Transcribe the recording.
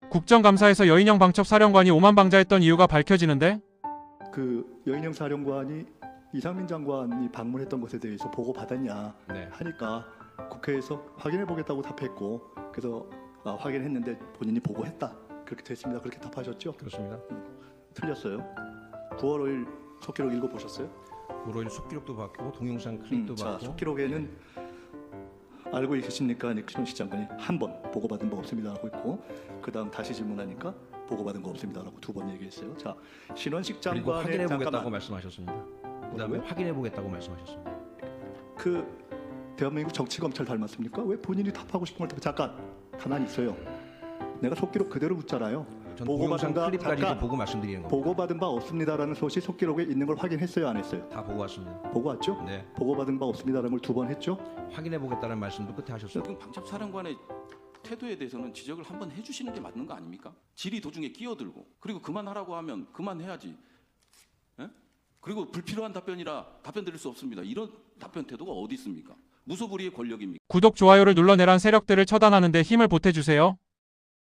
국정감사에서 여인영 방첩사령관이 오만방자했던 이유가 밝혀지는데 그 여인영 사령관이 이상민 장관이 방문했던 것에 대해서 보고 받았냐 네. 하니까 국회에서 확인해 보겠다고 답했고 그래서 확인했는데 본인이 보고했다 그렇게 됐습니다. 그렇게 답하셨죠? 그렇습니다. 틀렸어요. 9월 5일 속기록 읽어보셨어요? 9월 5일 속기록도 받고 동영상 클립도 자, 받고. 속기록에는 알고 계십니까? 신원식 장관이 한 번 보고받은 바 없습니다라고 했고 그 다음 다시 질문하니까 보고받은 거 없습니다라고 두 번 얘기했어요. 자, 신원식 그리고 장관의 확인해 보겠다고 잠깐만 말씀하셨습니다. 그다음에 뭐라고요? 확인해 보겠다고 말씀하셨습니다. 그 대한민국 정치검찰 닮았습니까? 왜 본인이 답하고 싶은 걸 잠깐 가만히 있어요. 내가 속기록 그대로 묻잖아요. 전 보고받은 동영상 바 클립까지도 잠깐 보고 말씀드리는 겁니다. 보고받은 바 없습니다라는 소식 속기록에 있는 걸 확인했어요, 안 했어요? 다 보고 왔습니다. 보고 왔죠? 네. 보고받은 바 없습니다라는 걸 두 번 했죠? 확인해 보겠다는 말씀도 끝에 하셨어요. 지금 방첩사령관의 태도에 대해서는 지적을 한번 해주시는 게 맞는 거 아닙니까? 질의 도중에 끼어들고 그리고 그만하라고 하면 그만해야지. 예? 그리고 불필요한 답변이라 답변 드릴 수 없습니다. 이런 답변 태도가 어디 있습니까? 무소불위의 권력입니까? 구독, 좋아요를 눌러내란 세력들을 처단하는 데 힘을 보태주세요.